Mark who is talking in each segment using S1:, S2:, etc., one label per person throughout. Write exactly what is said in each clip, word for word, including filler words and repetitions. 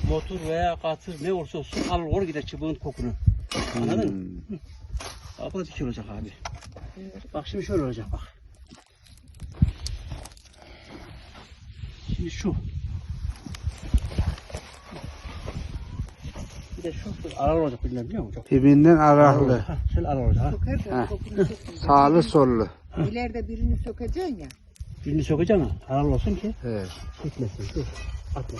S1: motor veya katır ne olursa olsun alır or gider çubuğun kokunu. Anladın mı?
S2: Hmm.
S1: Bak bu da dik olacak abi. Bak şimdi şöyle olacak bak. Şimdi şu. Bir de şu arar olacak bilmem biliyor musun? Çok
S2: Dibinden araklı.
S1: Ha, şöyle arar olacak ha.
S3: Sokar da
S2: Ha.
S3: kokunu soksun.
S2: Sağlı sollu.
S3: İleride birini sokacaksın ya.
S1: Birini sokacaksın ha. Arar olsun ki
S2: Evet.
S1: gitmesin. Dur. Atma.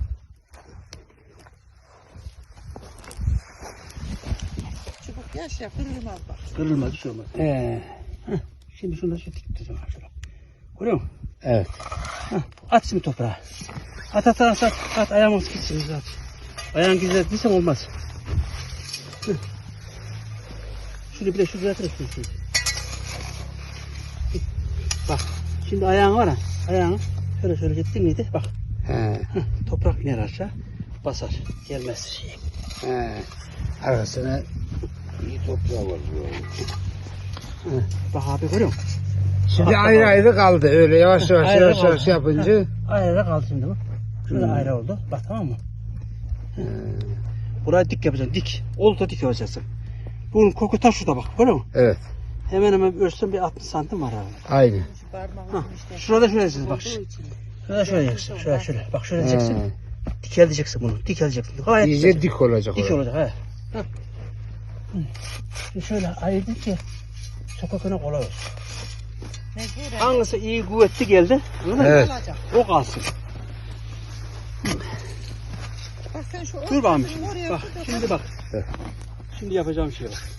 S3: Çubuk yaş ya kırılmaz bak.
S1: Kırılmaz bir şey olmaz. Ee, heh, şimdi şunu da şu dik tutacağım ha şuraya. Görüyor musun?
S2: Evet.
S1: Heh, at şimdi toprağa. At at at at. At ayağımız gitsin. At. Ayağın gizlettiysem olmaz. Heh. Şunu bir de şuraya atırız. Bak. Şimdi ayağın var ha. Ayağını şöyle şöyle gittin miydi? Bak.
S2: He.
S1: Heh, toprak iner aşağı. Basar. Gelmez şey.
S2: He. Arasına iyi toprağı var.
S1: Heh, bak abi görüyor musun?
S2: Şimdi
S1: Bak,
S2: ayrı
S1: bak.
S2: ayrı kaldı. Öyle yavaş yavaş
S1: Ayrı
S2: yavaş
S1: kaldı.
S2: yavaş yapınca.
S1: Ayrı kaldı şimdi bu. Şurada
S2: Hmm.
S1: ayrı oldu. Bak tamam mı? Burayı dik yapacaksın. Dik. Oldu dik yapacaksın. Bunun koku ta şurada bak. Görüyor musun?
S2: Evet.
S1: Hemen hemen ölçsem bir altmış santim var abi.
S2: Aynı.
S3: Şu parmağın
S1: Hah,
S3: işte.
S1: şurada şöyle diyeceksin bak.
S3: Olduğu için.
S1: Şurada şöyle diyeceksin. Şöyle şöyle. Bak şöyle
S2: He.
S1: diyeceksin. Dikel diyeceksin bunu. Dikel diyeceksin. Gayet
S2: İyice
S1: güzel.
S2: dik olacak.
S1: Dik
S2: orası.
S1: olacak he. Hah. Şimdi şöyle ayırdın ki sokakına kolay olsun.
S3: Mecburen.
S1: Hangisi iyi kuvvetli geldi? Anladın
S2: Evet.
S1: mı?
S3: Olacak.
S1: O kalsın.
S3: Bak sen şu
S1: Dur bakalım
S3: ortasını
S1: şimdi.
S3: oraya
S1: Bak
S3: koy da
S1: şimdi bak.
S2: Evet.
S1: Şimdi yapacağım şey bak.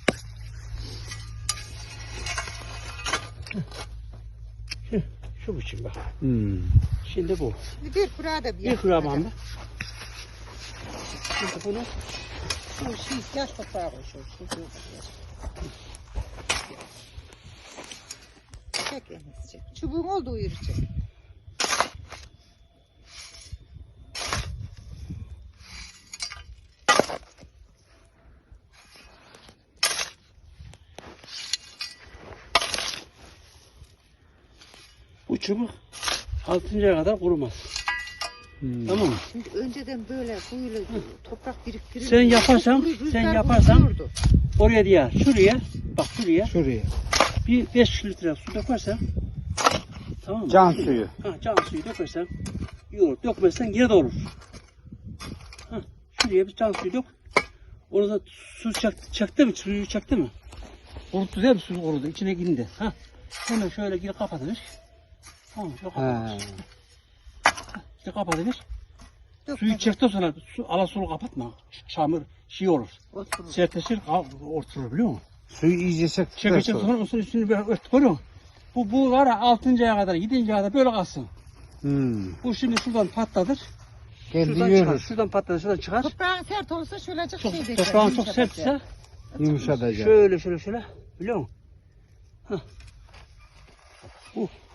S1: Şu, şu biçim bak.
S2: Hmm.
S1: Şimdi bu.
S3: Şimdi bir kura da bir
S1: Bir kura bağımda.
S3: yapacak.
S1: Şimdi bunu
S3: Şu şey yaş toprağı koy şu. şu- şu- Çek Enes çek. Çubuğun olduğu yeri çek.
S1: bu çubuk altıncaya kadar kurumaz.
S2: Hmm.
S1: Tamam mı?
S3: Şimdi önceden böyle böyle toprak biriktirir.
S1: Sen yaparsan, sen yaparsan oraya diye şuraya bak şuraya
S2: Şuraya.
S1: bir beş litre su dökersen tamam mı?
S2: Can suyu.
S1: Ha, can suyu dökersen iyi olur. Dökmezsen yine de olur. Ha, şuraya bir can suyu dök. Orada su çaktı, çaktı mı? Suyu çaktı mı? Kuruttu değil mi? Su kurudu. İçine gindi. Ha. Hemen şöyle geri kapatılır. Tamam, şöyle kapatılır.
S2: Ha.
S1: İşte kapatılır. Suyu çektikten sonra su, ala sulu kapatma. Çamur şey olur. Sertleşir, orturur biliyor musun?
S2: Suyu iyice çektikten
S1: Çekecek
S2: sonra.
S1: sonra usul üstünü bir ört görüyor musun? Bu, bu var ya altıncaya kadar, yedinciye kadar böyle kalsın.
S2: Hmm.
S1: Bu şimdi şuradan patladır.
S2: Kendi
S1: Şuradan çıkar,
S2: yürür.
S1: şuradan patladır, şuradan çıkar.
S3: Toprağın sert olursa şöyle
S1: Çok,
S3: şey bekler.
S1: toprağın çok
S3: yumuşatacak.
S1: sertse
S2: Yumuşatacak.
S1: şöyle şöyle şöyle biliyor musun? Hah. Bu